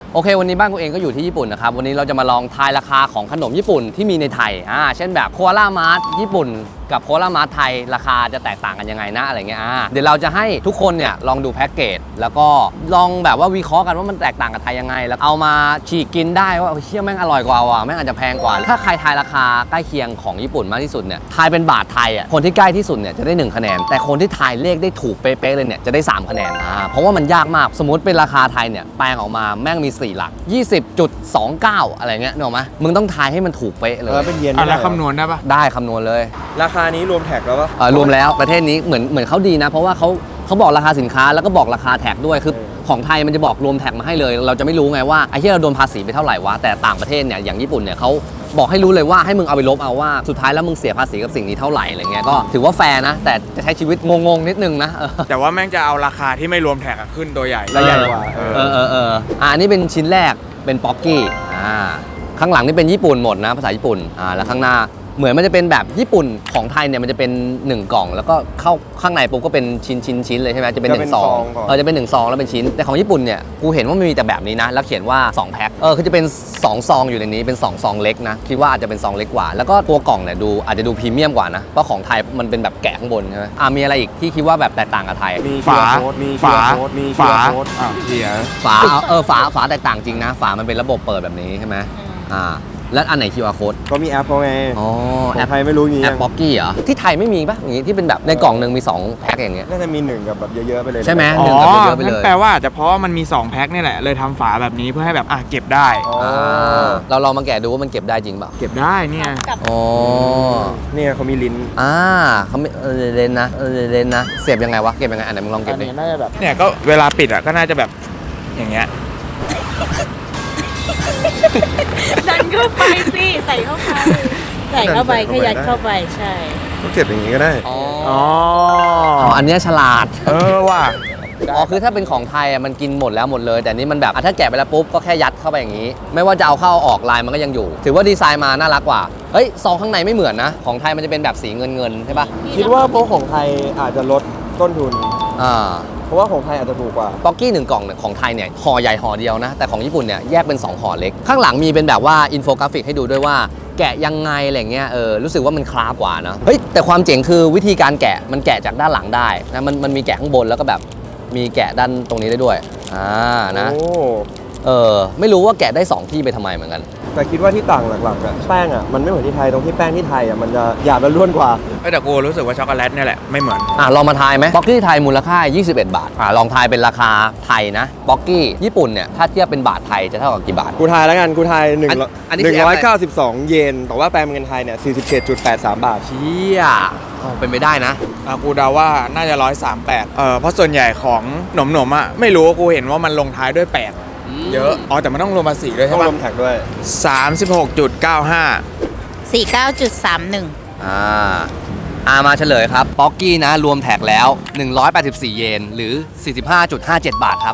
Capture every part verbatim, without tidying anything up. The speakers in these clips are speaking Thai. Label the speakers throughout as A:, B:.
A: โอเควันนี้บ้านกูเองก็อยู่ที่ญี่ปุ่นนะครับวันนี้เราจะมาลองทายราคาของขนมญี่ปุ่นที่มีในไทยอ่าเช่นแบบโคอาล่ามาร์ทญี่ปุ่นกับโคอาล่ามาร์ทไทยราคาจะแตกต่างกันยังไงนะอะไรเงี้ยอ่าเดี๋ยวเราจะให้ทุกคนเนี่ยลองดูแพ็กเกจแล้วก็ลองแบบว่าวิเคราะห์กันว่ามันแตกต่างกับไทยยังไงแล้วเอามาฉีกกินได้ว่าเชี่ยแม่งอร่อยกว่าว่ะแม่งอาจจะแพงกว่าถ้าใครทายราคาใกล้เคียงของญี่ปุ่นมากที่สุดเนี่ยทายเป็นบาทไทยอ่ะคนที่ใกล้ที่สุดเนี่ยจะได้หนึ่งคะแนนแต่คนที่ทายเลขได้ถูกเป๊ะๆเลยเนี่ยจะได้สามคะแนนอ่าเพราะว่ามันยากมากสมมติเป็นราคาไทยเนี่ยแปลงออกมาแม่งมีสี่หลัก ยี่สิบจุดสองเก้า อะไรเงี้ยนึกออกไหมมึงต้องทายให้มันถูกเป๊ะเลย
B: แล้วเป็นเยน
C: อะไรคำนวณได้ปะ
A: ได้คำนวณเลย
B: ราคานี้รวมแท็กแล้วปะ
A: เออรวมแล้วประเทศนี้เหมือนเหมือนเขาดีนะเพราะว่าเขาเขาบอกราคาสินค้าแล้วก็บอกราคาแท็กด้วยคือของไทยมันจะบอกรวมแท็กมาให้เลยเราจะไม่รู้ไงว่าไอ้ที่เราโดนภาษีไปเท่าไหร่วะแต่ต่างประเทศเนี่ยอย่างญี่ปุ่นเนี่ยเขาบอกให้รู้เลยว่าให้มึงเอาไปลบเอาว่าสุดท้ายแล้วมึงเสียภาษีกับสิ่งนี้เท่าไหร่อะไรเงี้ยก็ถือว่าแฟร์นะแต่จะใช้ชีวิตงงๆนิดนึงนะเออ
C: แต่ว่าแม่งจะเอาราคาที่ไม่รวมแท็กอะขึ้นตัวใหญ่
B: แล้วใหญ่กว่า
C: เอ
A: เออเออเอออ่าอันนี้เป็นชิ้นแรกเป็นป๊อกกี้อ่าข้างหลังนี่เป็นญี่ปุ่นหมดนะภาษาญี่ปุ่นอ่าแล้วข้างหน้าเหมือนมันจะเป็นแบบญี่ปุ่นของไทยเนี่ยมันจะเป็นหนึ่งกล่องแล้วก็เข้าข้างในปุ๊บก็เป็นชิ้นชิ้นชิ้นเลยใช่ไหมจะเป็นหนึ่งซองเออจะเป็นหนึ่งซองแล้วเป็นชิ้นแต่ของญี่ปุ่นเนี่ยกูเห็นว่ามันมีแต่แบบนี้นะแล้วเขียนว่าสองแพ็คเออคือจะเป็นสองซองอยู่ในนี้เป็นสองซองเล็กนะคิดว่าอาจจะเป็นซองเล็กกว่าแล้วก็ตัวกล่องเนี่ยดูอาจจะดูพรีเมียมกว่านะเพราะของไทยมันเป็นแบบแกะข้างบนใช่ไหมอ่ามีอะไรอีกที่คิดว่าแบบแตกต่างกับไทย
B: มี
C: ฝา
B: โค้ดมี
C: ฝา
B: โค้ดมี
C: ฝา
B: โค้ด
C: อ้าวเชีย
A: ฝาเออฝาฝาแตกต่างจริงนะฝามันเป็นระบบเปิดแบบนี้ใช่ไหมอ่าแล้วอันไหน คิว อาร์ code
B: ก็มีแอปเขาไง
A: อ๋อ
B: ข
A: แอ
B: อง
A: ป
B: ไทยไม่รู้งี้
A: แอปป๊อกกี้เหรอที่ไทยไม่มีปะอย่างงี้ที่เป็นแบบในกล่องหนึ่งมีสองแพ็คอย่างเงี้ย
B: น่าจะมีหนึ่งกับแบบเยอะๆไปเลย
A: ใช่ไหม
C: อ๋อ
A: หนึ่งกับเยอะๆไปเลย
C: นั่นแปลว่าอาจจะเพราะว่ามันมีสองแพ็คนี่แหละเลยทำฝาแบบนี้เพื่อให้แบบอ่ะเก็บได้
B: อ๋อ
A: อ่าเราลองมาแกะดูว่ามันเก็บได้จริงเปล่า
C: เก็บได้เนี่ย
A: อ๋อ
B: เนี่ยเขามีลิ้น
A: อ่าเขาไม่เออเลนนะเออเลนนะเสียบยังไงวะเก็บยังไงอันไหนมึงลองเก็บดิ
B: น่าจะแบบ
C: เนี่ยก็เวลาปิดอ่ะก็น่าจะแบบอย่างเงี้ย
D: ดันเข้าไปสิใส่เข้าไปใส่เข้าไปขยันเข้าไปใช่
B: ก็เก็บอย่างนี้ก็ได้
A: อ๋อ
C: อ๋อ
A: อ๋ออันเนี้ยฉลาด
C: เออว่ะ
A: อ๋อคือถ้าเป็นของไทยอ่ะมันกินหมดแล้วหมดเลย แต่นี่มันแบบอ่ะถ้าแกะไปแล้วปุ๊บก็แค่ยัดเข้าไปอย่างนี้ ไม่ว่าจะเอาเข้าเอาออกลายมันก็ยังอยู่ ถือว่าดีไซน์มาน่ารักกว่าเฮ้ยซองข้างในไม่เหมือนนะของไทยมันจะเป็นแบบสีเงินเงินๆใช่ปะ
B: คิดว่าพวกของไทยอาจจะลดต้นทุน
A: อ่า
B: เพราะว่าของไทยอาจจะถูกกว่า
A: ป๊อกกี้หนึ่งกล่องเนี่ยของไทยเนี่ยห่อใหญ่ห่อเดียวนะแต่ของญี่ปุ่นเนี่ยแยกเป็นสองห่อเล็กข้างหลังมีเป็นแบบว่าอินโฟกราฟิกให้ดูด้วยว่าแกะยังไงอะไรเงี้ยเออรู้สึกว่ามันคลาฟกว่านะเฮ้ยแต่ความเจ๋งคือวิธีการแกะมันแกะจากด้านหลังได้นะมันมันมีแกะข้างบนแล้วก็แบบมีแกะด้านตรงนี้ได้ด้วยอ่านะ
B: โอ้
A: เออไม่รู้ว่าแกะได้สองที่ไปทำไมเหมือนกัน
B: แต่คิดว่าที่ต่างหลักๆอะแป้งอะมันไม่เหมือนที่ไทยตรงที่แป้งที่ไทยอะมันจะหยาบและร่วนกว่า
C: เอ้ยแต่กูรู้สึกว่าช็อกโกแลตเนี่ยแหละไม่เหมือน
A: อ่ะลองมาทายไหมป๊อกกี้ไทยมูลค่ายี่สิบเอ็ดบาทอ่ะลองทายเป็นราคาไทยนะป๊อกกี้ญี่ปุ่นเนี่ยถ้าเทียบเป็นบาทไทยจะเท่ากับกี่บาท
B: กูทายแล้วกันกูทายหนึ่ง
A: อันอันนี้
B: ห
A: คือ
B: นึ่ง
A: แอป
B: ร้
A: อะ
B: อย
A: ไร
B: เก้าสิบสองเยนแต่ว่าแปลเป็นเงินไทยเนี่ยสี่สิบเจ็ดจุดแปดสามบาท
A: เชี่ยอ๋อเป็นไปได้นะ
C: อ่ะกูเดาว่าน่าจะร้อยสามแปดเออเพราะส่วนใหญ่ของหนมหนมๆอ่ะไม่รู้กูเห็นว่ามันลงท้ายด้วยแปดเยอะอ๋อแต่มันต้องรวมภาษีด้วย
B: ต้อ
C: ใช่
B: ง
C: ปะ
B: รวมแท็กด้วย
C: สามสิบหกจุดเก้าห้า
D: สี่เก้าจุดสามหนึ่ง
A: อ่าอามาเฉลยครับป๊อกกี้นะรวมแท็กแล้วหนึ่งร้อยแปดสิบสี่เยนหรือ สี่สิบห้าจุดห้าเจ็ด บาทครับ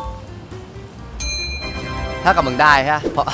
A: ถ้ากับมึงได้ใช่ไหมเพราะ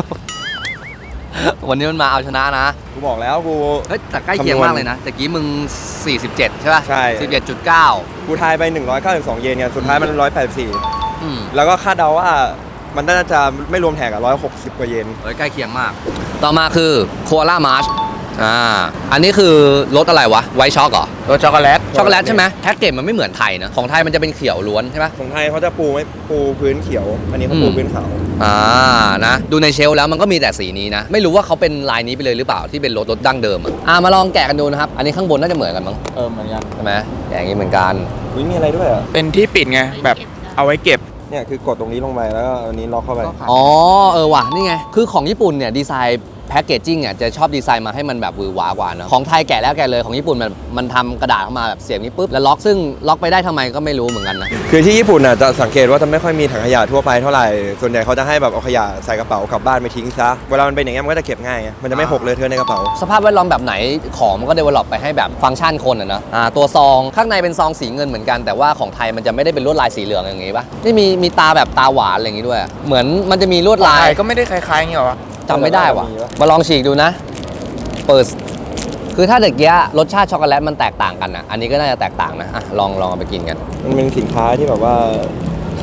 A: วันนี้มันมาเอาชนะนะ
B: กูบอกแล้วกู
A: เฮ้ยแต่ใกล้เคียงมากเลยนะแต่กี้มึง สี่สิบเจ็ด ใช่ป่ะ
B: ใช่
A: สิบเจ็ดจุดเก้า
B: กูทายไปหนึ่งร้อยเก้าสิบสองเยนไงสุดท้ายมันหนึ่งร้อยแปดสิบสี่
A: อืม
B: แล้วก็คาดเดาว่ามันน่าจะไม่รวมแท็กอะหนึ่งร้อยหกสิบกว่าเยน
A: เฮ้ยใกล้เคียงมาก ต่อมาคือโคอาล่ามาร์ชอ่าอันนี้คือรสอะไรวะไวท์ช็อกเหรอ
C: รสช็อกโกแลต
A: ช็อกโกแลตใช่ไหมแพ็กเกจมันไม่เหมือนไทยนะของไทยมันจะเป็นเขียวล้วนใช่ปะ
B: ของไทยเขาจะปูไม่ปูพื้นเขียว อันนี้เขา
A: อืม
B: ปูพื้นขาว
A: อ่านะดูในเชลฟ์แล้วมันก็มีแต่สีนี้นะ ไม่รู้ว่าเขาเป็นลายนี้ไปเลยหรือเปล่าที่เป็นรถรถดั้งเดิมอ่ะอ่ามาลองแกะกันดูนะครับ อันนี้ข้างบนน่าจะเหมือนกันมั้ง
C: เออเหมือนกัน
A: ใช่ไหมแกะอย่างนี้เหมือนกัน
B: อุ้ยมีอะไรด้วยอะ
C: เป็นที่ปิดไงแบบเอาไว้เก็บ
B: เนี่ยคือกดตรงนี้ลงไปแล้วก็อันนี้ล็อกเข้าไป
A: อ๋อเออว่ะนี่ไงคือของญี่ปุ่นเนี่ยดีไซน์แพ็กเกจจิ้งอ่ะจะชอบดีไซน์มาให้มันแบบหวือหวากว่าเนอะของไทยแกะแล้วแกะเลยของญี่ปุ่นมันมันทำกระดาษเข้ามาแบบเสียบนี้ปุ๊บแล้วล็อกซึ่งล็อกไปได้ทำไมก็ไม่รู้เหมือนกันนะ
B: คือที่ญี่ปุ่นอ่ะจะสังเกตว่าจะไม่ค่อยมีถังขยะทั่วไปเท่าไหร่ ส่วนใหญ่เขาจะให้แบบเอาขยะใส่กระเป๋ากลับบ้านไปทิ้งซะ เวลามันเป็นอย่างเงี้ยมันก็จะเก็บง่ายไงมันจะไม่หกเลยเทอะในกระเป๋า
A: สภาพแวดล้อมแบบไหนของมันก็เดเวลลอปไปให้แบบฟังก์ชันคนอ่ะนะอ่าตัวซองข้างในเป็นซองสีเงินเหมือนกันแต่ว่าของไทยมันจะไม่ได้เป็นลวดลายสีเหลืองอย่างงี้ปะนี่มีมีตาแบบตาหวานอะไรอย่างงี้ด้วย เหมือนมันจะมีลวดลา
C: ไท
A: ย
C: ยก็ไม่ได้คล้ายๆอย่างเงี้ยวะ
A: จำไม่ได้ว่ะ
B: มีปะ
A: มาลองฉีกดูนะ เปิดคือถ้าเด็กเกี้ยรสชาติช็อกโกแลตมันแตกต่างกันนะอันนี้ก็น่าจะแตกต่างนะอ่ะลองลองเอาไปกินกัน
B: มันเป็นสินค้าที่แบบว่าข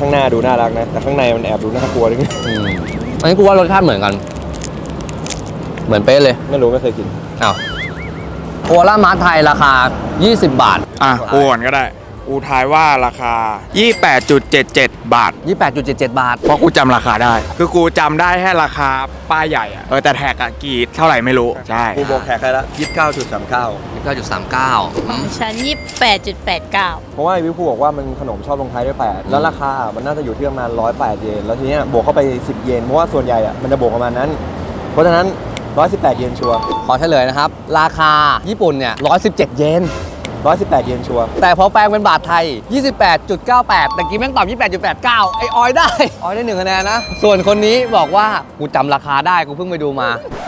B: ข้างหน้าดูน่ารักนะแต่ข้างในมันแอบดูน่ากลัวด้วย
A: อืมอันนี้กูว่ารสชาติเหมือนกัน เหมือนเป๊ะเลย
B: ไม่รู้ไม่เคยกิน
A: อ้าวโคอาล่ามาร์ทไทยราคา ยี่สิบบาท
C: อ่ะกูก่อนก็ได้กูทายว่าราคา ยี่สิบแปดจุดเจ็ดเจ็ด บาท
A: ยี่สิบแปดจุดเจ็ดเจ็ด บาท
C: เพราะกูจำราคาได้ คือกูจำได้แค่ราคาป้ายใหญ่อะเออแต่แท็กอะกี่เท่าไหร่ไม่รู้ ใช่
B: กูบอกแขกใครละยี่สิบเก้าจุดสามเก้า
A: เก้าจุดสามเก้า
D: ของฉันยี่สิบแปดจุดแปดเก้า
B: เพราะว่าวิวพูบอกว่ามันขนมชอบลงท้ายด้วยแปดแล้วราคามันน่าจะอยู่ที่ประมาณร้อยแปดเยนแล้วทีเนี้ยบวกเข้าไปสิบเยนเพราะว่าส่วนใหญ่อะมันจะบวกประมาณนั้น เพราะฉะนั้นหนึ่งร้อยสิบแปดเยนชัวร์
A: ขอเฉลยนะครับ ราคาญี่ปุ่นเนี่ยหนึ่งร้อยสิบเจ็ดเยน
B: หนึ่งร้อยสิบแปดเยนชัวร์
A: แต่พอแปลงเป็นบาทไทย ยี่สิบแปดจุดเก้าแปด แต่กี้แม่งตอบ ยี่สิบแปดจุดแปดเก้า ไอออยได้ ออยได้หนึ่งคะแนนนะ ส่วนคนนี้บอกว่ากูจำราคาได้กูเพิ่งไปดูมา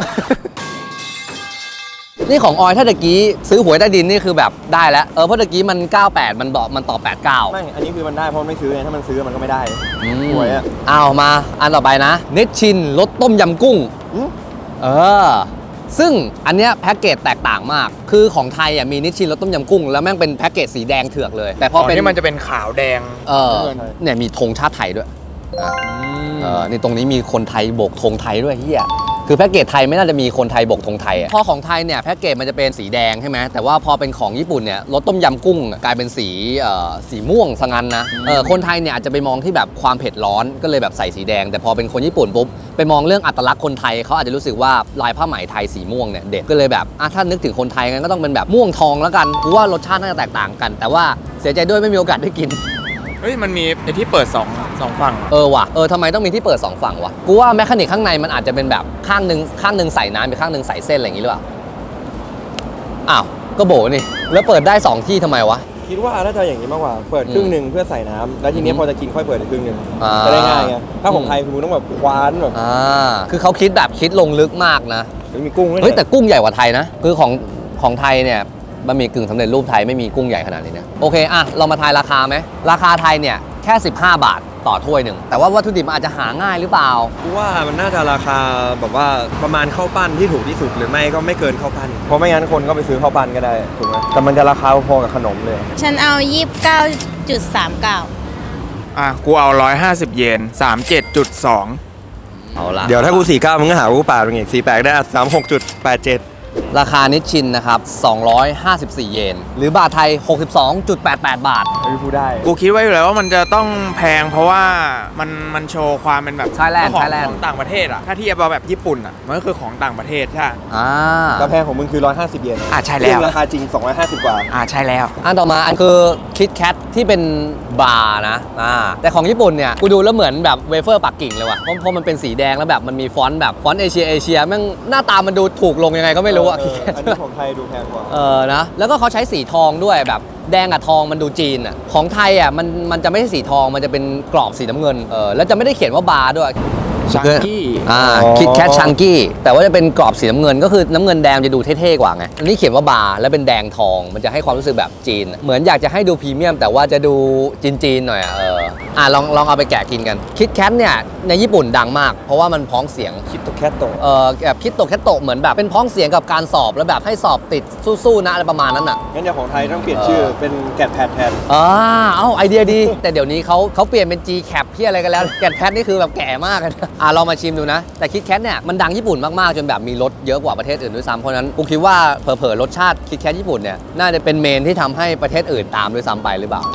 A: นี่ของออยถ้าตะกี้ซื้อหวยใต้ดินนี่คือแบบได้แล้ว เออเพราะตะกี้มัน เก้าแปด มันบอกมันตอบแปดเก้า
B: ไม่อันนี้คือมันได้เพราะมันไม่ซื้อไงถ้ามันซื้อมันก็ไม่ได้ หวยอะ
A: เอามาอันต่อไปนะเนชชินรสต้มยำกุ้ง
B: อืม
A: เออ ซึ่งอันเนี้ยแพ็กเกจแตกต่างมาก คือของไทยอ่ะมีนิชชินรสต้มยำกุ้ง แล้วแม่งเป็นแพ็กเกจสีแดงเถือกเลย แต่พ
C: อ๋
A: อ
C: อ
A: เป็น
C: นี่มันจะเป็นขาวแดง
A: เออ
C: เงิน
A: เนี่ยมีธงชาติไทยด้วยอ่ะเออนี่ตรงนี้มีคนไทยโบกธงไทยด้วยเฮียคือแพ็กเกจไทยไม่น่าจะมีคนไทยโบกธงไทยอ่ะพอของไทยเนี่ยแพ็กเกจมันจะเป็นสีแดงใช่ไหมแต่ว่าพอเป็นของญี่ปุ่นเนี่ยรสต้มยำกุ้งกลายเป็นสีเอ่อสีม่วงซะงั้นนะเออคนไทยเนี่ยอาจจะไปมองที่แบบความเผ็ดร้อนก็เลยแบบใส่สีแดง แต่พอเป็นคนญี่ปุ่นปุ๊บไปมองเรื่องอัตลักษณ์คนไทยเขาอาจจะรู้สึกว่าลายผ้าไหมไทยสีม่วงเนี่ยเด็ดก็เลยแบบอ่ะถ้านึกถึงคนไทยงั้นก็ต้องเป็นแบบม่วงทองแล้วกันกูว่ารสชาติน่าจะแตกต่างกัน แต่ว่าเสียใจด้วยไม่มีโอกาสได้กิน
C: เฮ้ยมันมีไอที่เปิดสองสองฝั่ง
A: เออว่ะ เออทำไมต้องมีที่เปิดสองฝั่งวะ กูว่าแมคานิกข้างในมันอาจจะเป็นแบบข้างหนึ่งข้างหนึ่งใส่น้ำอีกข้างหนึ่งใส่เส้นอะไรอย่างงี้หรือเปล่า อ้าว ก็โบนี่ แล้วเปิดได้สองที่ทำไมวะ
B: คิดว่าน่าจะอย่างนี้มากกว่า เปิดครึ่งหนึ่งเพื่อใส่น้ำแล้วทีนี้
A: อืม
B: พอจะกินค่อยเปิดอีกครึ่งหนึ่ง
A: อ่า
B: จะได้ง่ายไง ถ้าของ
A: อืม
B: ไทยคือมึงต้องแบบคว้านแบบ
A: อ่า คือเขาคิดแบบคิดลงลึกมากนะ
B: มีกุ้งด้วย
A: เฮ้ยแต่กุ้งใหญ่กว่าไทยนะ คือของของไทยเนี่ยบะหมี่กึ่งสำเร็จรูปไทยไม่มีกุ้งใหญ่ขนาดนี้นะ โอเคอ่ะเรามาทายราคาไหม ราคาไทยเนี่ยแค่สิบห้าบาทต่อถ้วยหนึ่ง แต่ว่าวัตถุดิบมันอาจจะหาง่ายหรือเปล่า
B: กูว่ามันน่าจะราคาแบบว่าประมาณข้าวปั้นที่ถูกที่สุดหรือไม่ก็ไม่เกินข้าวปั้น เพราะไม่งั้นคนก็ไปซื้อข้าวปั้นก็ได้ถูกไหมแต่มันจะราคาพอกับขนมเลย
D: ฉันเอายี่สิบเก้าจุดสามเก้า
C: อ่ะกูเอาร้อยห้าสิบเยนสามเจ็ดจุดสอง
A: เอาละ
B: เดี๋ยวถ้ากูสี่เก้ามึงก็หาว่ากูปาดมึงอีกสี่แปดได้สามหกจุดแปดเจ็ด
A: ราคานิชชินนะครับสองร้อยห้าสิบสี่เยน หรือบาทไทย หกสิบสองจุดแปดแปด บาท
B: ไม่พูดได้
C: กูคิดไว้อยู่แล้วว่ามันจะต้องแพงเพราะว่ามันมันโชว์ความเป็นแบบ
A: Thailand
C: ของ
A: Thailand
C: ของต่างประเทศอ่ะถ้าเทียบเอาแบบญี่ปุ่นอ่ะมันก็คือของต่างประเทศใช่
A: อ่า
B: กาแฟของมึงคือหนึ่งร้อยห้าสิบเยน
C: อ่ะใช่แล้ว
B: ซึ่งราคาจริงสองร้อยห้าสิบกว่า
C: อ่าใช่แล้ว
A: อันต่อมาอันคือคิดแคทที่เป็นบาร์นะอ่าแต่ของญี่ปุ่นเนี่ยกูดูแล้วเหมือนแบบเวเฟอร์ปักกิ่งเลยว่ะเพราะเพราะมันเป็นสีแดงแล้วแบบมันมีฟอนต์แบบฟอนต์เอเชียเอเชียแม่งหน้าตามันดูถูกลงยังไงก็ไม่รู้อะ
B: เอ
A: คิด
B: อ
A: แคท
B: อันนี้ของไทยดูแพงกว่า
A: เออนะแล้วก็เขาใช้สีทองด้วยแบบแดงกับทองมันดูจีนอ่ะของไทยอ่ะมันมันจะไม่ใช่สีทองมันจะเป็นกรอบสีน้ำเงินเออแล้วจะไม่ได้เขียนว่าบาร์ด้วย
C: Chunky
A: อ่า
B: อ๋อ
A: คิดแคทชังกี้แต่ว่าจะเป็นกรอบสีน้ำเงินก็คือน้ำเงินแดงจะดูเท่ๆกว่าไงอันนี้เขียนว่าบาร์แล้วเป็นแดงทองมันจะให้ความรู้สึกแบบจีน เหมือนอยากจะให้ดูพรีเมียมแต่ว่าจะดูจีนๆหน่อยอ่ะเอออ่ะลองลองเอาไปแกะกินกันคิดแคทเนี่ยในญี่ปุ่นดังมาก เพราะว่ามันพ้องเสียง
B: คิดตัวแคทโต
A: เออแบบคิดโตแคทโตเหมือนแบบเป็นพ้องเสียงกับการสอบแล้วแบบให้สอบติดสู้ๆนะอะไรประมาณนั้นอ่ะ
B: งั้นเดี๋ยวของไทยต้องเปลี่ยนชื่อเป็นแกดแพดแทน
A: อ่าเอ้าไอเดียดี แต่เดี๋ยวนี้เขาเขาเปลี่ยนเป็น G Cap พี่อะไรกันแล้ว แกนแพทนี่คือแบบแก่มากเลยนะอ่าลองมาชิมดูนะ แต่คิดแคทเนี่ยมันดังญี่ปุ่นมาก ๆ จนแบบมีรสเยอะกว่าประเทศอื่นด้วยซ้ำเพราะฉะนั้นกูคิดว่าเผลอๆรสชาติคิดแคทญี่ปุ่นเนี่ยน่าจะเป็นเมนที่ทำให้ประเทศอื่นตามด้วยซ้ำไปหรือเปล่า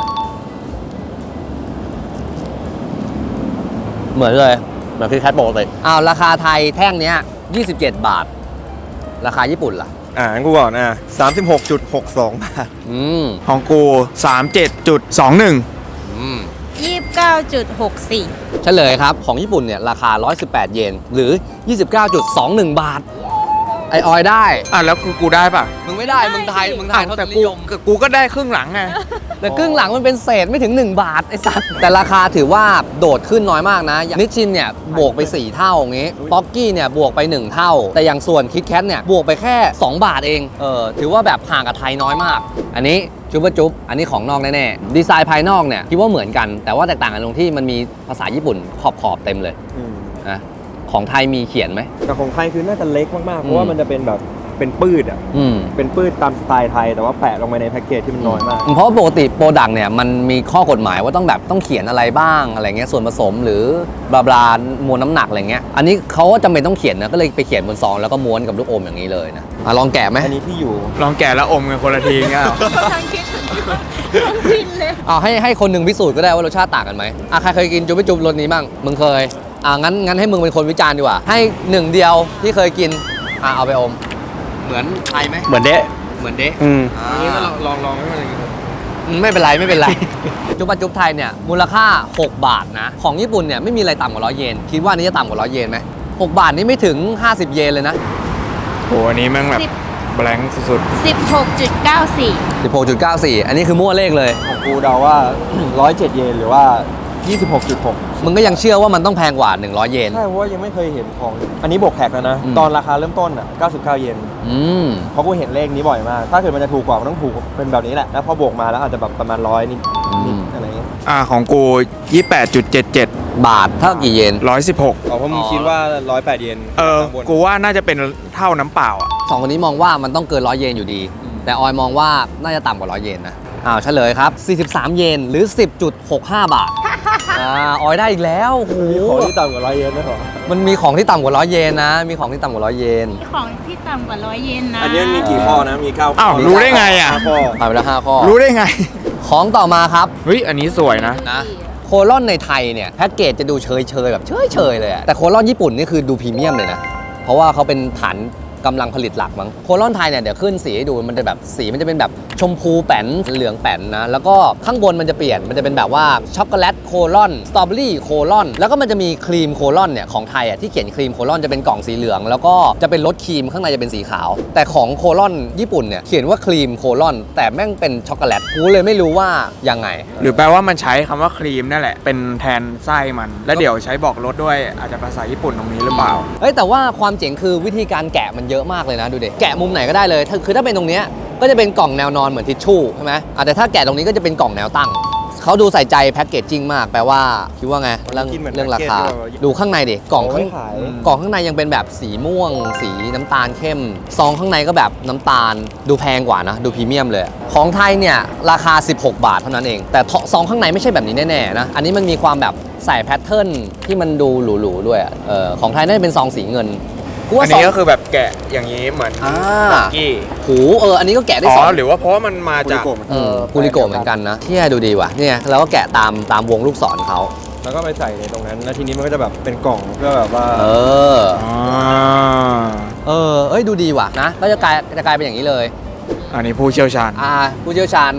A: เหมือนเลยเหมือนคิดแคทปกติอ้าวราคาไทยแท่งเนี้ยยี่สิบเจ็ดบาท ราคาญี่ปุ่นล่ะ
B: อ่างั้นกูบอกนะสามสิบหกจุดหกสองบาท
A: อืม
C: ของกูสามสิบเจ็ดจุดสองหนึ่ง
A: อืม
D: ยี่สิบเก้าจุดหกสี่
A: เฉลยครับ ของญี่ปุ่นเนี่ยราคาหนึ่งร้อยสิบแปดเยนหรือ ยี่สิบเก้าจุดสองหนึ่ง บาท ไอออยได้
C: อ่ะแล้วคือกูได้ป่ะ
A: มึงไม่ได้ มึงไทยมึงไทย
C: อ้าว
A: เท่า
C: แต่
A: นิ
C: กู
A: ยม
C: กูก็ได้ครึ่งหลังไง
A: แต่ครึ่งหลังมันเป็นเศษไม่ถึง หนึ่ง บาท ไอสัตว์ แต่ราคาถือว่าโดดขึ้นน้อยมากนะอย่างนิชชินเนี่ยบวกไป สี่ เท่าอย่างงี้ ป๊อกกี้เนี่ยบวกไป หนึ่ง เท่า แต่อย่างส่วนคิดแคทเนี่ยบวกไปแค่ สอง บาทเอง เออ ถือว่าแบบห่างกับไทยน้อยมาก อันนี้จุ๊บจุ๊บอันนี้ของนอกแน่ๆ ดีไซน์ภายนอกเนี่ยคิดว่าเหมือนกัน แต่ว่าแตกต่างกันตรงที่มันมีภาษาญี่ปุ่นขอบขอบๆเต็มเลย
B: อืม
A: นะของไทยมีเขียนไหม
B: แต่ของไทยคือน่าจะเล็กมากๆ เพราะว่ามันจะเป็นแบบเป็นปืดอ่ะ
A: อืม
B: เป็นปืดตามสไตล์ไทยแต่ว่าแปะลงไปในแพ็กเกจที่มันน้อยมาก
A: เพราะว่าปกติโปรดักต์เนี่ยมันมีข้อกฎหมายว่าต้องแบบต้องเขียนอะไรบ้างอะไรเงี้ยส่วนผสมหรือบลาบลามวลน้ำหนักอะไรเงี้ยอันนี้เขาก็จำเป็นต้องเขียนนะก็เลยไปเขียนบนซองแล้วก็ม้วนกับลูกอมอย่างนี้เลยนะอ่ะลองแกะไหม
B: อันนี้ที่อยู่
C: ลองแกะแล้วอมกันคนละทีเงี้ยเหรอ
D: ทางคิดถึงทางกินเลย
A: เอาให้ให้คนหนึ่งพิสูจน์ก็ได้ว่ารสชาติต่างกันไหมอ่ะใครเคยกินจุ๊บไม่จุ๊บรสนี้บ้างมึงเคยอ่ะงั้นงั้นให้มึงเป็นคนวิจารณ์ดีกว่าให้หนึ่งเดียวที่เคยกินอ่ะเอาไปอมเหมือนไทยไหม
B: เหมือนเดะ
A: เหมือนเด๊ะ
B: อืม
A: อ่า
C: นี่ก็ลองลองลองให้มันอย่างงี้
A: อืมไม่เป็นไรไม่เป็นไร จุ๊บปะจุ๊บไทยเนี่ยมูลค่า หก บาทนะ ของญี่ปุ่นเนี่ยไม่มีอะไรต่ำกว่าร้อยเยน คิดว่านี้จะต่ำกว่าร้อยเยนไหมหกบาทนี่ไม่ถึง ห้าสิบ เยนเลยนะ
C: โหอันนี้แม่งแบบแบงค์สุด
D: สิบหกจุดเก้าสี่
A: สิบหกจุดเก้าสี่ อันนี้คือมั่วเลขเลย
B: ของกูเดาว่า ร้อยเจ็ดเยนหรือว่า ยี่สิบหกจุดหก
A: มึงก็ยังเชื่อว่ามันต้องแพงกว่า หนึ่งร้อย เยน
B: ใช่เพราะว่ายังไม่เคยเห็นของ อันนี้บวกแท็กแล้วนะ
A: อืม
B: ตอนราคาเริ่มต้นอ่ะเก้าสิบเก้าเยน
A: อืม
B: เพราะกูเห็นเลขนี้บ่อยมาก ถ้าเกิดมันจะถูกกว่ามันต้องถูกเป็นแบบนี้แหละ แล้วพอบวกมาแล้วอาจจะแบบประมาณร้อยนิด
A: อืม
B: ๆอะไรเงี้ย
C: ๆอ่าของกูยี่สิบแปดจุดเจ็ดเจ็ด
A: บาทเท่ากี่เยน
C: ร้อยสิบหก
B: อ๋อเพราะมึงคิดว่าร้อยแปดเยน
C: เออ
B: ข้างบน
C: กูว่าน่าจะเป็นเท่าน้ำเปล่าอ่ะ
A: สองคนนี้มองว่ามันต้องเกินร้อยเยนอยู่ดี แต่ออยมองว่าน่าจะต่ำกว่าร้อยเยนนะ อ้าวเฉลยครับ สี่สิบสาม เยนหรือ สิบจุดหกห้า บาท อ่าออยได้อีกแล้วโอ้โห
B: มีของที่ต่ำกว่าร้อยเยนด้วยเหรอ
A: มันมีของที่ต่ำกว่าร้อยเยนนะ มีของที่ต่ำกว่าร้อยเยน
D: ของที่ต่ำกว่าร้อยเยนนะ
B: อันนี้มันมีกี่ข้อนะ มีเก้าข้อ
C: อ้าวรู้ได้ไงอ่ะ
B: ห้าข้อ
A: ผ่านไปแล้วห้าข้อ
C: รู้ได้ไง
A: ของต่อมาครับ
C: เฮ้ย อันนี้สวยนะ
A: นะโคลอนในไทยเนี่ยแพ็กเกจจะดูเฉยเฉยๆแบบเฉยเฉยๆเลยอะแต่โคลอนญี่ปุ่นนี่คือดูพรีเมียมเลยนะ เพราะว่าเขาเป็นฐานกำลังผลิตหลักมั้งโคลอนไทยเนี่ยเดี๋ยวขึ้นสีให้ดูมันจะแบบสีมันจะเป็นแบบชมพูแป้นเหลืองแป้นนะแล้วก็ข้างบนมันจะเปลี่ยนมันจะเป็นแบบว่าช็อกโกแลตโคลอนสตรอเบอรี่โคลอนแล้วก็มันจะมีครีมโคลอนเนี่ยของไทยอ่ะที่เขียนครีมโคลอนจะเป็นกล่องสีเหลือง แล้วก็จะเป็นรสครีมข้างในจะเป็นสีขาว แต่ของโคลอนญี่ปุ่นเนี่ยเขียนว่าครีมโคลอนแต่แม่งเป็นช็อกโกแลตกูเลยไม่รู้ว่ายังไง
C: หรือแปลว่ามันใช้คำว่าครีมนั่นแหละ เป็นแทนไส้มัน แล้วเดี๋ยวใช้บอกรสด้วยอาจจะภาษาญี่ปุ่นตรงนี้หรือเปล่า
A: เอ้ยแต่ว่าความเจ๋งคือวิธีการแกะมันเยอะมากเลยนะดูดิแกะมุมไหนก็ได้เลยถ้าคือถ้าเป็นตรงเนี้ยก็จะเป็นกล่องแนวนอนเหมือนทิชชู่ใช่ไหมอ่ะแต่ถ้าแกะตรงนี้ก็จะเป็นกล่องแนวตั้งเขาดูใส่ใจแพ็กเกจจิ้งมากแปลว่าคิดว่าไงเรื่อง
B: คิดเหมือน
A: เรื่องราคา
B: แพ็กเกจที่แบบ
A: ดูข้างในดิกล่องข้าง
B: เอาไว้ขาย
A: กล่องข้างในยังเป็นแบบสีม่วง สีน้ำตาลเข้มซองข้างในก็แบบน้ำตาลดูแพงกว่านะดูพรีเมียมเลยของไทยเนี่ยราคาสิบหกบาทเท่านั้นเองแต่ซองข้างในไม่ใช่แบบนี้แน่ๆนะอันนี้มันมีความแบบใส่แพทเทิร์นที่มันดูหรูๆด้วยอะเออของไทยน่าจะเป็นซองสีเงินกู
C: อั
A: ว่าน ซอง
C: นี้ก็คือแบบแกะอย่างนี้เหมือน
A: อ่า
C: บักกี้
A: หูเอออันนี้ก็แกะได้
C: อ๋
A: สอง
C: อหรือว่าเพราะว่ามันมาจาก
B: กูริโกะ
A: เออกูริโกะเหมือนกันนะที่ดูดีว่ะเนี่ยเราก็แกะตามตามวงลูกศรเขา
B: แล้วก็ไปใส่ในตรงนั้น แล้วทีนี้มันก็จะแบบเป็นกล่องเพื่อแบบว่า
A: เออ
C: อ๋อ
A: เออเอ้ยดูดีว่ะนะก็จะกลายจะกลายเป็นอย่างนี้เลย
C: อันนี้ผู้เชี่ยวชาญ
A: อ่าผู้เชี่ยวชาญ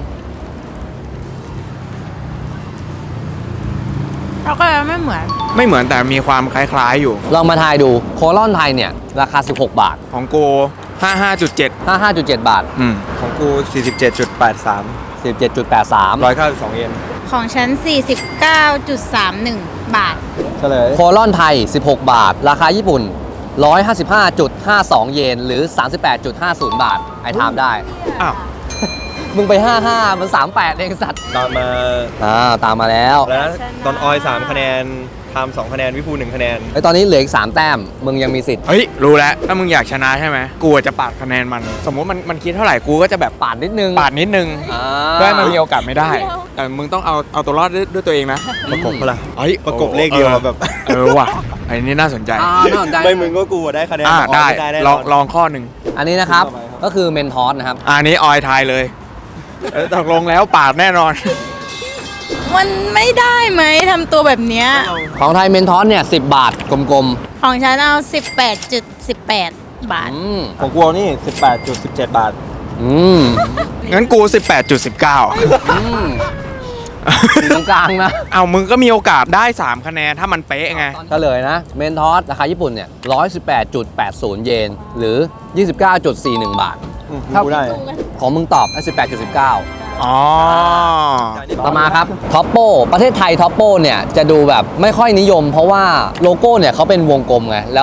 D: เราก็ไม่เหมือน
C: ไม่เหมือนแต่มีความคล้ายๆอยู่
A: ลองมาทายดูโคลอนไทยเนี่ยราคาสิบหกบาท
C: ของกูห้าห้าจุดเจ็ด
A: ห้าสิบห้าจุดเจ็ด บาท
C: อืม
B: ของกู สี่สิบเจ็ดจุดแปดสาม
A: สิบเจ็ดจุดแปดสาม
B: ร้อยเก้าสิบสองเยน
D: ของฉัน สี่สิบเก้าจุดสามหนึ่ง บาท
B: เฉลย
A: โคลอนไทยสิบหกบาท ราคาญี่ปุ่นหนึ่งร้อยห้าสิบห้าจุดห้าสอง เยนหรือ สามสิบแปดจุดห้าศูนย์ บาทไอ้ถามได้
C: อ้าว
A: มึงไปห้าสิบห้ามันสามสิบแปดเองสัตว์
B: ตามมา
A: อ่าตามมาแล้ว
B: แล้วนะตอนออยสามคะแนนทามสองคะแนน วิภูหนึ่งคะแนน
A: ไอ้ตอนนี้เหลืออีกสามแต้มมึงยังมีสิทธิ์
C: เฮ้ย รู้แล้ว ถ้ามึงอยากชนะใช่ไหม กูจะปาดคะแนนมัน สมมติมันมันคิดเท่าไหร่ กูก็จะแบบ
A: ปาดนิดนึง
C: ปาดนิดนึง
A: อ่า
C: เพื่อให้มันมีโอกาสไม่ได้ แต่มึงต้องเอาเอาตัวรอดด้วยด้วยตัวเองนะ
B: ประกบเปะล่า
C: เฮ้ย
B: ประกบเลขเดียว
C: ออ
B: แบบ
C: เออว่ะอันนี้น่าสนใจ
A: อ่าน่าสนใจ
B: ไม่มึงก็กูอะได้คะแนน
C: อ่า
B: ออย
C: ได้
B: ม่แน่นน
C: ลองลองข้อหนึ่ง
A: อันนี้นะครับ
B: ต่อไปครับ
A: ก็คือเมนทอสนะครับ
C: อันนี้ออยทายเลยเออตกลงแล้วปาดแน่นอน
D: มันไม่ได้ไหมทำตัวแบบเนี้ย
A: ของไทยเมนทอสเนี่ยสิบบาทกลม
D: ของฉันเอา สิบแปดจุดสิบแปด บา
A: ๆ
D: ท
A: อืม
B: ของกูเอานี่ สิบแปดจุดสิบเจ็ด บาท
A: อืม
C: งั้นกู สิบแปดจุดสิบเก้า
A: อืมอยู่ตรงกลางนะ
C: เอามึงก็มีโอกาสได้สามคะแนนถ้ามันเป๊ะไง
A: ก็เลยนะ เมนทอสราคาญี่ปุ่นเนี่ยหนึ่งร้อยสิบแปดจุดแปดศูนย์ เยน หรือ ยี่สิบเก้าจุดสี่หนึ่ง บาท
B: อืม
A: เท่า
B: กูได้
A: ของมึงตอบ สิบแปดจุดสิบเก้า
C: อ๋อ
A: ต่อมาครับท็อปโปประเทศไทยท็อปโปเนี่ยจะดูแบบไม่ค่อยนิยม เพราะว่าโลโก้เนี่ยเขาเป็นวงกลมไงแล้ว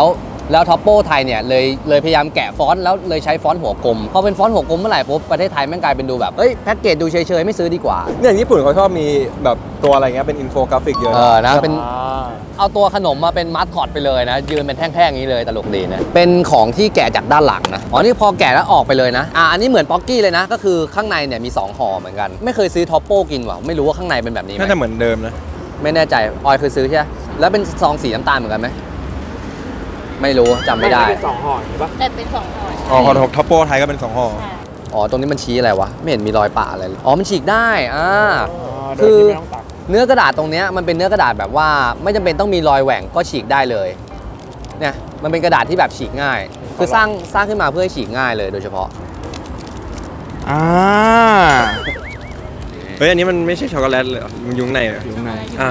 A: แล้วท็อปโปไทยเนี่ยเลยเลยพยายามแกะฟอนต์แล้วเลยใช้ฟอนต์หัวกลมพอเป็นฟอนต์หัวกลมเมื่อไหร่ปุ๊บประเทศไทยแม่งกลายเป็นดูแบบเอ้ยแพ็กเกจดูเฉยๆไม่ซื้อดีกว่า
B: เนี่ยญี่ปุ่นเขาชอบมีแบบตัวอะไรเงี้ยเป็นอินโฟกราฟิกเยอะ
A: เออนะเป็น
C: อ่า
A: เอาตัวขนมมาเป็นมัสคอตไปเลยนะยืนเป็นแท่งๆอย่างนี้เลยตลกดีนะเป็นของที่แกะจากด้านหลังนะอ๋อนี่พอแกะแล้วออกไปเลยนะอ่ะอันนี้เหมือนป๊อกกี้เลยนะก็คือข้างในเนี่ยมีสองห่อเหมือนกันไม่เคยซื้อท็อปโป้กินว่ะไม่รู้ว่าข้างในเป็นแบบนี้ไหม
B: น่าจะเหมือนเดิมนะ
A: ไม่แน่ใจออยเคยซื้อใช่ไหมแล้วเป็นซองสีน้ำตาลเหมือนกันไหมไม่รู้จำไม่ได้
C: เป็นสองห่อใช่ปะ
D: แต่เป็นสองห่อ
B: อ๋อของท็อปโปไทยก็เป็นสองห่อ
D: ค่ะ
A: อ๋อตรงนี้มันชี้อะไรวะไม่เห็นมีรอยปะอะไรเลยอ๋อมันฉีกได้อ่า
C: โดยที่ไม่ต้องตัก
A: เนื้อกระดาษตรงเนี้ยมันเป็นเนื้อกระดาษแบบว่าไม่จำเป็นต้องมีรอยแหว่งก็ฉีกได้เลยเนี่ยมันเป็นกระดาษที่แบบฉีกง่าย คือสร้างสร้างขึ้นมาเพื่อให้ฉีกง่ายเลยโดยเฉพาะ
C: อ่า
B: เฮ้ยอันนี้มันไม่ใช่ช็อกโกแลตเลยเหรอมันอยุ่ข้างในเหรอ
C: อยู่ข้างใน
B: อ่า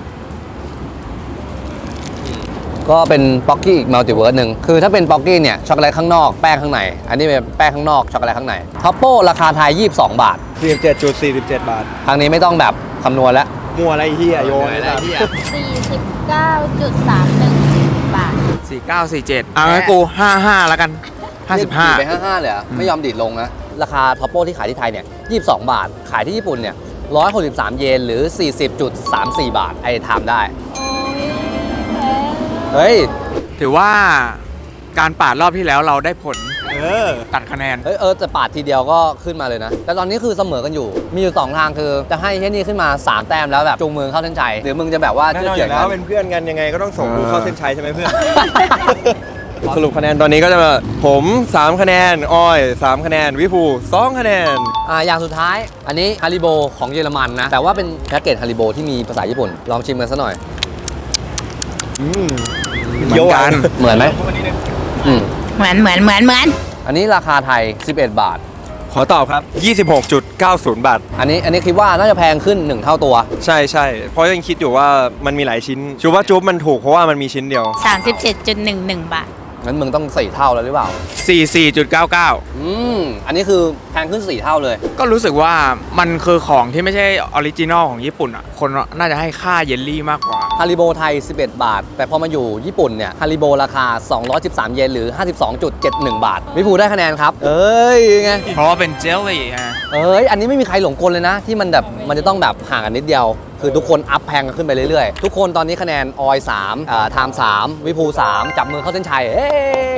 A: ก็เป็นป๊อกกี้อีกมัลติเวิร์สหนึ่งคือถ้าเป็นป๊อกกี้เนี่ยช็อกโกแลตข้างนอกแป้งข้างในอันนี้เป็นแป้งข้างนอกช็อกโกแลตข้างในท็อปโป้ราคาไทยยี่สิบสองบาท
B: สี่สิบเจ็ดจุดสี่สิบเจ็ดบาท
A: ครั้งนี้ไม่ต้องแบบคำนวณแล้ว
B: มัวอะไรเฮียโยน
A: อะไรเหี้ย
D: สี่สิบเก้าจุดสามหนึ่งบาท
C: สี่เก้าสี่เจ็ดอ่ะงั้นกูห้าห้าแล้วกันห้าสิบห้า
A: ดีดไปห้าสิบห้าเลยเหรอไม่ยอมดีดลงนะ ราคาท็อปโป้ที่ขายที่ไทยเนี่ยยี่สิบสองบาท ขายที่ญี่ปุ่นเนี่ยหนึ่งร้อยหกสิบสามเยนหรือ สี่สิบจุดสามสี่ บาท ไอ้ทำได้
D: โอ้ยแพง
A: เฮ้ย
C: ถือว่าการปาดรอบที่แล้วเราได้ผล
B: เออ
C: ตัดคะแนน
A: เฮ้ย เออแต่ปาดทีเดียวก็ขึ้นมาเลยนะ แต่ตอนนี้คือเสมอกันอยู่ มีอยู่ สอง ทางคือจะให้เฮนนี่ขึ้นมา สาม แต้มแล้วแบบจูงมือเข้าเส้นชัยหรือมึงจะแบบว่า
B: แน่
A: เชื่
B: น
A: อ
B: อนอ
A: เฉือน
B: ยู่แล้
A: กั
B: วน เป็นเพื่อนกันยังไงก็ต้องส่งกู
C: อ่า
B: เข้าเส้นชัยใช่ไหมเพื่อน สรุปคะแนนตอนนี้ก็จะมาผมสามคะแนนออยสามคะแนนวิภูสองคะแนน
A: อ่าอย่างสุดท้าย อันนี้ฮาริโบของเยอรมันนะ แต่ว่าเป็นแพ็กเกจฮาริโบที่มีภาษาญี่ปุ่น ลองชิมกันซะหน่อย
B: อืม
C: เหมือนกัน
A: เหมือนไหมอืม
D: เหมือนเหมือนเหมือนเหมือน
A: อันนี้ราคาไทย สิบเอ็ด บาท
B: ขอตอบครับ ยี่สิบหกจุดเก้าศูนย์ บาท
A: อันนี้อันนี้คิดว่าน่าจะแพงขึ้นหนึ่งเท่าตัว
B: ใช่ใช่เพราะยังคิดอยู่ว่ามันมีหลายชิ้นชูว่าจุ๊บมันถูกเพราะว่ามันมีชิ้นเดียว
D: สามสิบเจ็ดจุดหนึ่งหนึ่งบาท
A: งั้นมึงต้องสี่เท่าแล้วหรือเปล่า
C: สี่สิบสี่จุดเก้าเก้า
A: อืม อันนี้คือแพงขึ้นสี่เท่าเลย
C: ก็รู้สึกว่ามันคือของที่ไม่ใช่ออริจินอลของญี่ปุ่นอ่ะ คนน่าจะให้ค่าเยลลี่มากกว่า
A: ฮาริโบไทย สิบเอ็ด บาท แต่พอมาอยู่ญี่ปุ่นเนี่ย ฮาริโบราคา สองร้อยสิบสาม เยนหรือ ห้าสิบสองจุดเจ็ดหนึ่ง บาท วิภูได้คะแนนครับ เอ้ยไง
C: เพราะว่าเป็นเจลลี่ฮะ
A: เอ้ย อันนี้ไม่มีใครหลงกลเลยนะ ที่มันแบบมันจะต้องแบบห่างกันนิดเดียว คือทุกคนอัพแพงกันขึ้นไปเรื่อยๆ ทุกคนตอนนี้คะแนนออยสามอ่าไทม์สามวิภูสามจับมือเข้าเส้นชัยเอ้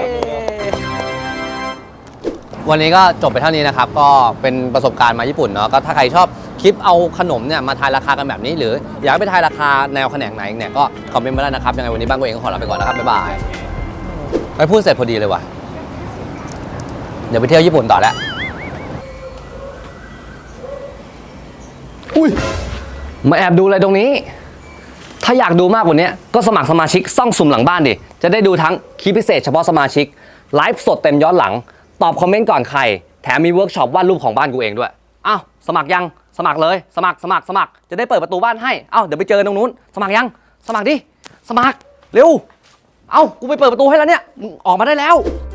A: วันนี้ก็จบไปเท่านี้นะครับ ก็เป็นประสบการณ์มาญี่ปุ่นเนาะ ก็ถ้าใครชอบคลิปเอาขนมเนี่ยมาทายราคากันแบบนี้ หรืออยากให้ไปทายราคาแนวแขนงไหนเนี่ยก็คอมเมนต์มาได้นะครับ ยังไงวันนี้บ้านกูเองก็ขอลาไปก่อนนะครับ บ๊ายบายไปพูดเสร็จพอดีเลยว่ะ เดี๋ยวไปเที่ยวญี่ปุ่นต่อแล้ว อุ้ย มาแอบดูอะไรตรงนี้ ถ้าอยากดูมากกว่านี้ก็สมัครสมาชิกซ่องสุ่มหลังบ้านดิ จะได้ดูทั้งคลิปพิเศษเฉพาะสมาชิก ไลฟ์สดเต็มย้อนหลัง ตอบคอมเมนต์ก่อนใคร แถมมีเวิร์กช็อปวาดรูปของบ้านกูเองด้วย อ้าว สมัครยัง สมัครเลย สมัคร สมัคร สมัคร จะได้เปิดประตูบ้านให้ อ้าว เดี๋ยวไปเจอกันตรงนู้น สมัครยัง สมัครดิ สมัคร เร็ว เอ้า กูไปเปิดประตูให้แล้วเนี่ย มึงออกมาได้แล้ว